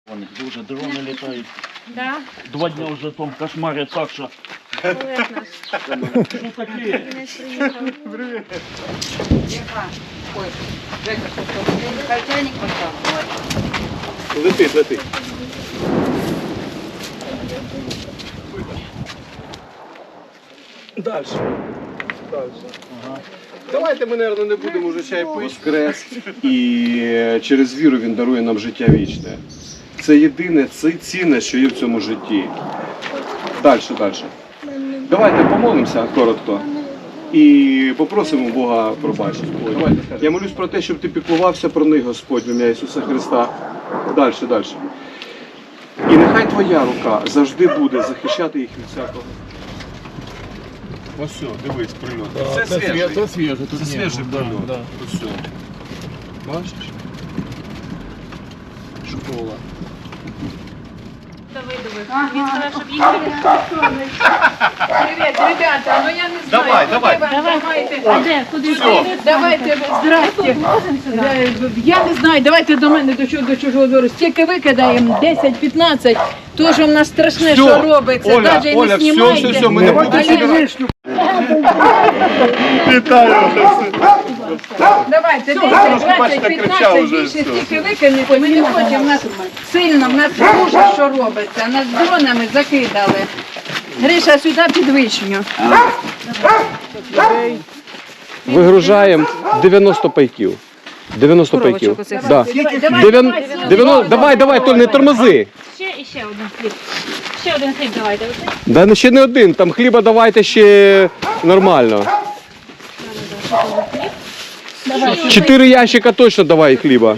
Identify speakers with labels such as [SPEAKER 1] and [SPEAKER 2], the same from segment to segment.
[SPEAKER 1] Вони дуже дрони літають.
[SPEAKER 2] Да?
[SPEAKER 1] 2 дні вже там кошмарять так, що...
[SPEAKER 2] Олег наш.
[SPEAKER 1] Що таке?
[SPEAKER 2] Не приїхав.
[SPEAKER 3] Ой, Жека, що хай чайник поставив.
[SPEAKER 4] Летить, летить. Дальше. Ага. Давайте ми, мабуть, не будемо вже чай пити. Воскрес. І через віру він дарує нам життя вічне. Це єдине, це цінне, що є в цьому житті. Далі. Давайте помолимося коротко. І попросимо Бога пробачення. Я молюсь про те, щоб ти піклувався про них, Господь, в ім'я Ісуса Христа. Далі. І нехай твоя рука завжди буде захищати їх від всякого. Ось все, дивись, прильот. Це свіжий.
[SPEAKER 1] Це свіже.
[SPEAKER 4] Це свіжий прильот.
[SPEAKER 1] Да.
[SPEAKER 4] Ось все. Бачиш? Школа.
[SPEAKER 2] Давидових. Він сказав, щоб їх
[SPEAKER 3] Привіт, ребята, ну я не знаю.
[SPEAKER 4] Давай.
[SPEAKER 3] Давайте.
[SPEAKER 2] А де? Куди
[SPEAKER 4] Все.
[SPEAKER 3] Давайте, здрасте. Я не знаю, давайте до мене до чужого двору. Стільки викидаємо, 10-15. То, що в нас страшне, що робиться. Навіть і не знімайте.
[SPEAKER 4] все, ми не будемо сюди. Вітаю.
[SPEAKER 3] Давайте, 10, 20, 15, більше стільки викинете. Ми не хочемо, в нас сильно, в нас дуже що робиться. Нас дронами закидали. Гриша, сюди під вишню.
[SPEAKER 4] Вигружаємо 90 пайків. 90 пайків. Да. Давай, Толь, не тормози.
[SPEAKER 2] ще один хліб. Ще один хліб давайте. Оце.
[SPEAKER 4] Да ще не один, там хліба давайте ще нормально. 4 ящика точно давай хліба.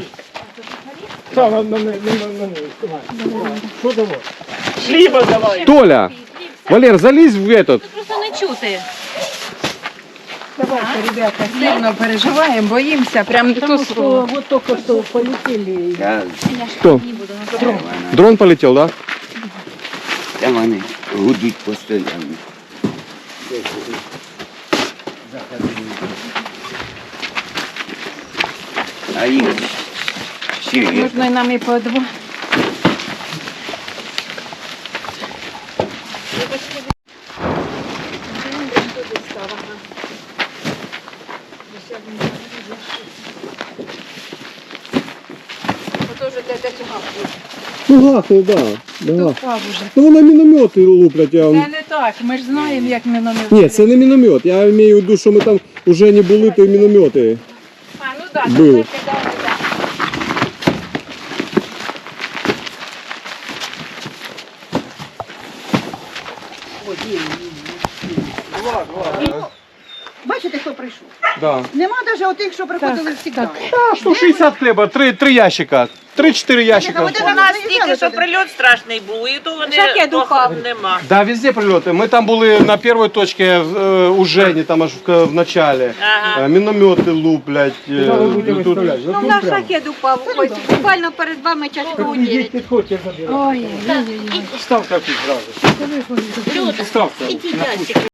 [SPEAKER 1] Хліба давай!
[SPEAKER 4] Толя, Валер, залізь в этот.
[SPEAKER 2] Тут просто не чути.
[SPEAKER 3] Давайте, ребята, сильно переживаємо, боїмося. Прям то слово.
[SPEAKER 5] Вот только что полетели.
[SPEAKER 4] Кто? Дрон полетел, да?
[SPEAKER 6] Там вони гудуть постійно. А їх ще є.
[SPEAKER 3] Можна і нам і по два.
[SPEAKER 4] Ну гахне, да.
[SPEAKER 3] Впав уже.
[SPEAKER 4] Ну вона міномети луплять.
[SPEAKER 3] Це не так, ми ж знаємо, як ми номер.
[SPEAKER 4] Ні, це не міномет. Я маю в виду, що ми там вже не були, то й міномети.
[SPEAKER 3] А, ну так,
[SPEAKER 4] Були.
[SPEAKER 3] ми кидали, так.
[SPEAKER 5] Бачите, хто прийшов?
[SPEAKER 4] Да.
[SPEAKER 5] Нема навіть отих, що приходили завжди.
[SPEAKER 4] Штук 60 треба, 3 ящика. 3-4 ящика.
[SPEAKER 7] У нас тільки що прильот страшний був, і то вони
[SPEAKER 2] Шахет упав.
[SPEAKER 7] нема.
[SPEAKER 4] Да, везде прильоти. Ми там були на першій точці у Жені, там аж в начале.
[SPEAKER 7] Ага.
[SPEAKER 4] Міномети луплять. Тут...
[SPEAKER 5] Ну, наш шахет упав. Ось, буквально перед вами часу уділить.
[SPEAKER 3] Ой,
[SPEAKER 2] Люди, ідіть,